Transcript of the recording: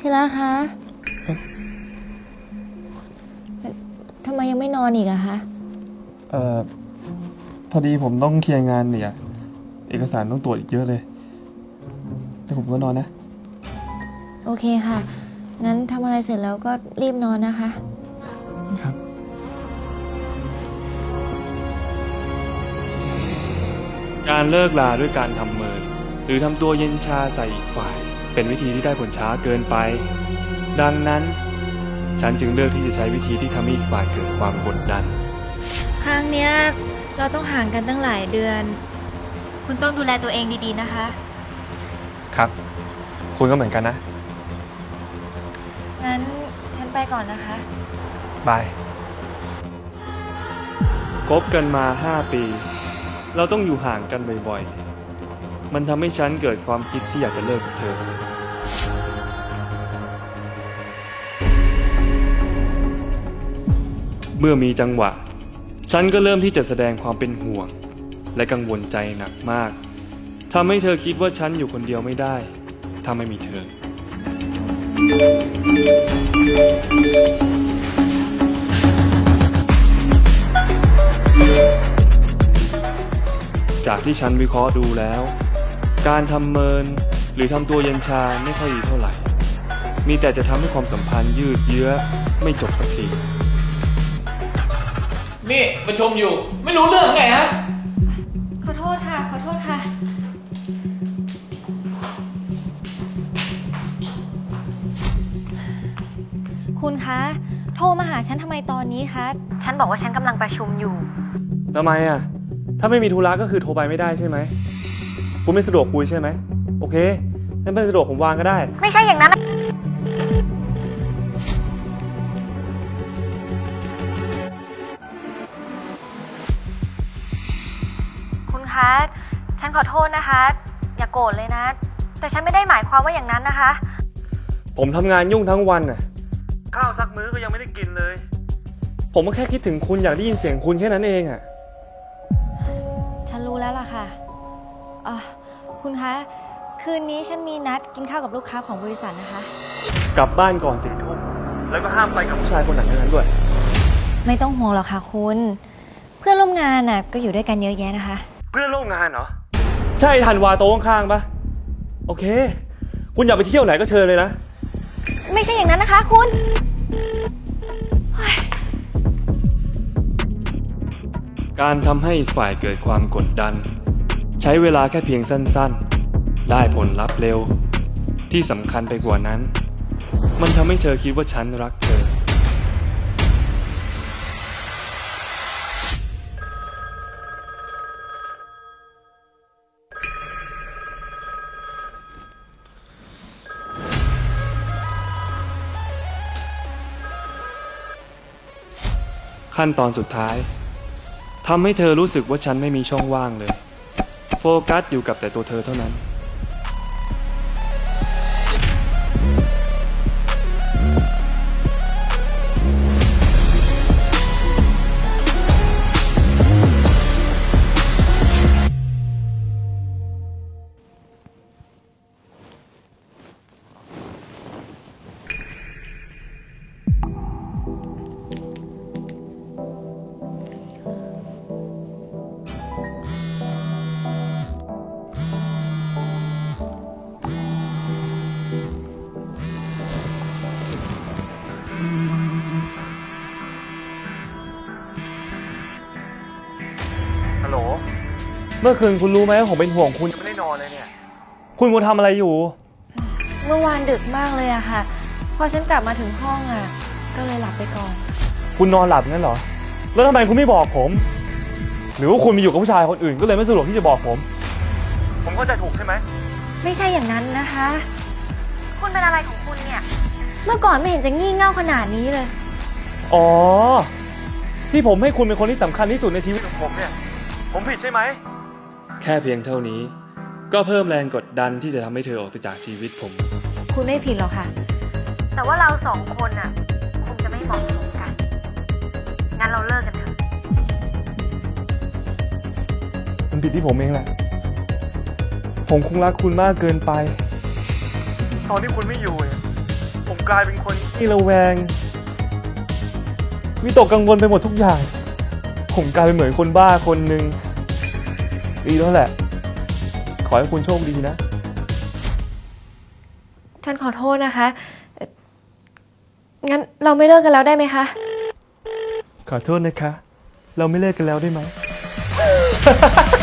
ทีละคะทำไมยังไม่นอนอีกอะคะพอดีผมต้องเคลียร์งานเนี่ยเอกสารต้องตรวจอีกเยอะเลยแต่ผมก็นอนนะโอเคค่ะงั้นทำอะไรเสร็จแล้วก็รีบนอนนะคะครับการเลิกลาด้วยการทำเมินหรือทำตัวเย็นชาใส่อีกฝ่ายเป็นวิธีที่ได้ผลช้าเกินไปดังนั้นฉันจึงเลือกที่จะใช้วิธีที่ทำให้อีกฝ่ายเกิดความกดดันครั้งเนี้ยเราต้องห่างกันตั้งหลายเดือนคุณต้องดูแลตัวเองดีๆนะคะครับคุณก็เหมือนกันนะงั้นฉันไปก่อนนะคะบายคบกันมา5 ปีเราต้องอยู่ห่างกันบ่อยๆมันทำให้ฉันเกิดความคิดที่อยากจะเลิกกับเธอเมื่อมีจังหวะฉันก็เริ่มที่จะแสดงความเป็นห่วงและกังวลใจหนักมากทำให้เธอคิดว่าฉันอยู่คนเดียวไม่ได้ถ้าไม่มีเธอจากที่ฉันวิเคราะห์ดูแล้วการทำเมินหรือทำตัวเย็นชาไม่ค่อยดีเท่าไหร่มีแต่จะทำให้ความสัมพันธ์ยืดเยื้อไม่จบสักทีนี่ประชุมอยู่ไม่รู้เรื่องไงฮะขอโทษค่ะขอโทษค่ะคุณคะโทรมาหาฉันทำไมตอนนี้คะฉันบอกว่าฉันกำลังประชุมอยู่ทำไมอ่ะถ้าไม่มีธุระก็คือโทรไปไม่ได้ใช่ไหมคุณไม่สะดวกคุยใช่ไหมโอเคงั้นไม่สะดวกผมวางก็ได้ไม่ใช่อย่างนั้นคุณคะฉันขอโทษนะคะอย่าโกรธเลยนะแต่ฉันไม่ได้หมายความว่าอย่างนั้นนะคะผมทำงานยุ่งทั้งวันน่ะข้าวซักมื้อก็ยังไม่ได้กินเลยผมก็แค่คิดถึงคุณอยากได้ยินเสียงคุณแค่นั้นเองอ่ะฉันรู้แล้วล่ะค่ะคุณคะคืนนี้ฉันมีนัดกินข้าวกับลูกค้าของบริษัทนะคะกลับบ้านก่อน4 ทุ่มแล้วก็ห้ามไปกับผู้ชายคนไหนทั้งนั้นด้วยไม่ต้องห่วงหรอกค่ะคุณเพื่อนร่วมงานน่ะก็อยู่ด้วยกันเยอะแยะนะคะเพื่อนร่วมงานเหรอใช่ธันวาโต๊ะข้างๆปะโอเคคุณอยากไปเที่ยวไหนก็เชิญเลยนะไม่ใช่อย่างนั้นนะคะคุณการทำให้อีกฝ่ายเกิดความกดดันใช้เวลาแค่เพียงสั้นๆได้ผลลัพธ์เร็วที่สำคัญไปกว่านั้นมันทำให้เธอคิดว่าฉันรักเธอขั้นตอนสุดท้ายทำให้เธอรู้สึกว่าฉันไม่มีช่องว่างเลยโฟกัสอยู่กับแต่ตัวเธอเท่านั้นฮัลโหลเมื่อคืนคุณรู้ไหมว่าผมเป็นห่วงคุณยังไม่ได้นอนเลยเนี่ยคุณมัวทำอะไรอยู่เมื่อวานดึกมากเลยอะค่ะพอฉันกลับมาถึงห้องอะก็เลยหลับไปก่อนคุณนอนหลับงั้นเหรอแล้วทำไมคุณไม่บอกผมหรือว่าคุณมีอยู่กับผู้ชายคนอื่นก็เลยไม่สะดวกที่จะบอกผมเข้าใจถูกใช่ไหมไม่ใช่อย่างนั้นนะคะคุณเป็นอะไรของคุณเนี่ยเมื่อก่อนไม่เห็นจะงี่เง่าขนาดนี้เลยอ๋อที่ผมให้คุณเป็นคนที่สำคัญที่สุดในชีวิตของผมเนี่ยผมผิดใช่ไหมแค่เพียงเท่านี้ก็เพิ่มแรงกดดันที่จะทำให้เธอออกไปจากชีวิตผมคุณไม่ผิดหรอกค่ะแต่ว่าเราสองคนน่ะคงจะไม่เหมาะสมกันงั้นเราเลิกกันเถอะมันผิดที่ผมเองแหละผมคงรักคุณมากเกินไปตอนที่คุณไม่อยู่เนี่ยกลายเป็นคนที่ระแวงวิตกกังวลไปหมดทุกอย่าง ผมกลายเป็นเหมือนคนบ้าคนหนึ่งดีแล้วแหละ ขอให้คุณโชคดีนะฉันขอโทษนะคะงั้นเราไม่เลิกกันแล้วได้ไหมคะขอโทษนะคะ เราไม่เลิกกันแล้วได้ไหม